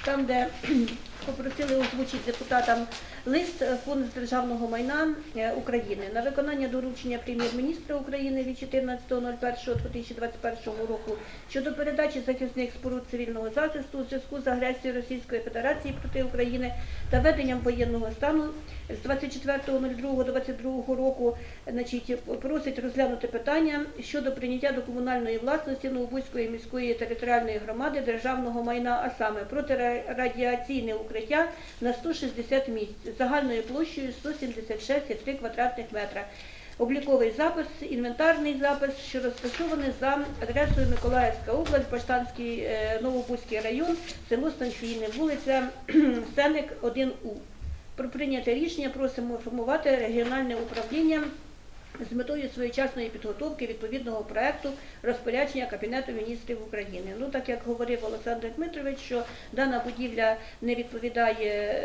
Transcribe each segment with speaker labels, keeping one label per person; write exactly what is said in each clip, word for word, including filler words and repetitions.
Speaker 1: там, де попросили озвучити депутатам лист Фонду державного майна України на виконання доручення прем'єр-міністра України від чотирнадцятого першого дві тисячі двадцять першого року щодо передачі захисних споруд цивільного захисту у зв'язку з агресією Російської Федерації проти України та введенням воєнного стану з двадцять четвертого другого двадцять другого року, значить, просить розглянути питання щодо прийняття до комунальної власності Новобузької міської територіальної громади державного майна, а саме протирадіаційне укриття на сто шістдесят місць загальною площею сто сімдесят шість цілих три квадратних метра. Обліковий запис, інвентарний запис, що розташований за адресою Миколаївська область, Баштанський, Новобузький район, село Станційне, вулиця Сеник, один У. Про прийняте рішення просимо формувати регіональне управління з метою своєчасної підготовки відповідного проекту розпорядження Кабінету міністрів України. Ну, так як говорив Олександр Дмитрович, що дана будівля не відповідає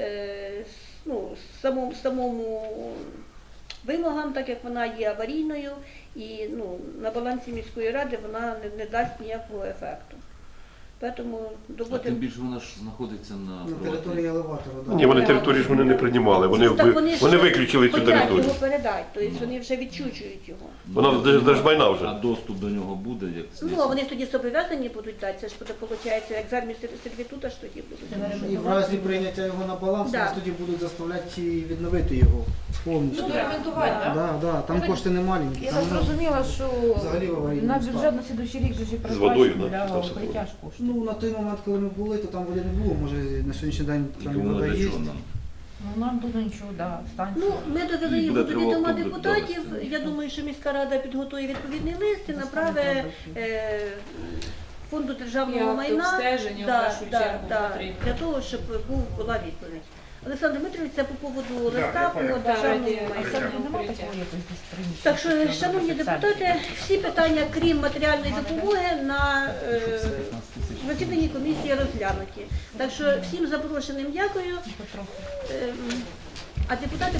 Speaker 1: ну, самому, самому вимогам, так як вона є аварійною і ну, на балансі міської ради вона не, не дасть ніякого ефекту. Тому
Speaker 2: А тим більше вона ж знаходиться на,
Speaker 3: на території елеватора. Да.
Speaker 4: Ні, вони територію ж вони не приймали, вони,
Speaker 1: так, вони,
Speaker 4: вони виключили цю
Speaker 1: хотять
Speaker 4: територію.
Speaker 1: його передати, тобто вони вже відчучують його.
Speaker 4: Вона держмайна вже.
Speaker 2: А доступ до нього буде? Як
Speaker 1: Ну, а вони ж тоді зобов'язані будуть дати, це ж буде, виходить, екзамен сервітута ж тоді будуть.
Speaker 3: І в разі прийняття його на баланс,
Speaker 1: Да.
Speaker 3: нас тоді будуть заставляти відновити його повністю.
Speaker 5: Ну, ремонтувати, так?
Speaker 3: Да, да, там кошти не маленькі.
Speaker 5: Я
Speaker 3: Там,
Speaker 5: так зрозуміла, що
Speaker 3: взагалі в аварійному
Speaker 5: на
Speaker 3: стані.
Speaker 5: бюджет на слідуючий рік вже
Speaker 4: З водою,
Speaker 5: передбачено
Speaker 4: да,
Speaker 5: для
Speaker 4: там все
Speaker 5: укриття ж коштів.
Speaker 3: Ну, на той момент, коли ми були, то там води не було. Може, на сьогоднішній день
Speaker 2: І
Speaker 3: там
Speaker 2: воно
Speaker 3: вода
Speaker 2: для
Speaker 3: є.
Speaker 2: чого нам?
Speaker 5: Ну, нам тут нічого, да, станція.
Speaker 1: Ну, ми довели
Speaker 2: І
Speaker 1: його
Speaker 2: буде
Speaker 1: до відома
Speaker 2: тривога
Speaker 1: депутатів.
Speaker 2: довести.
Speaker 1: Я думаю, що міська рада підготує відповідний лист і направить е, Фонду державного
Speaker 6: І
Speaker 1: майна
Speaker 6: обстеження, в
Speaker 1: да,
Speaker 6: першу
Speaker 1: да,
Speaker 6: чергу,
Speaker 1: да,
Speaker 6: потрібно.
Speaker 1: для того, щоб був, була відповідь. Олександр Дмитрович, це по поводу
Speaker 7: я
Speaker 1: листа по
Speaker 7: понял.
Speaker 1: державному
Speaker 6: Да,
Speaker 1: майна.
Speaker 6: раді-
Speaker 5: Нема такого якось дисципліни.
Speaker 1: Так що, шановні депутати, всі питання, крім матеріальної допомоги, на е, засіданні комісії розглянуті. Так що всім запрошеним дякую. Ем, А депутати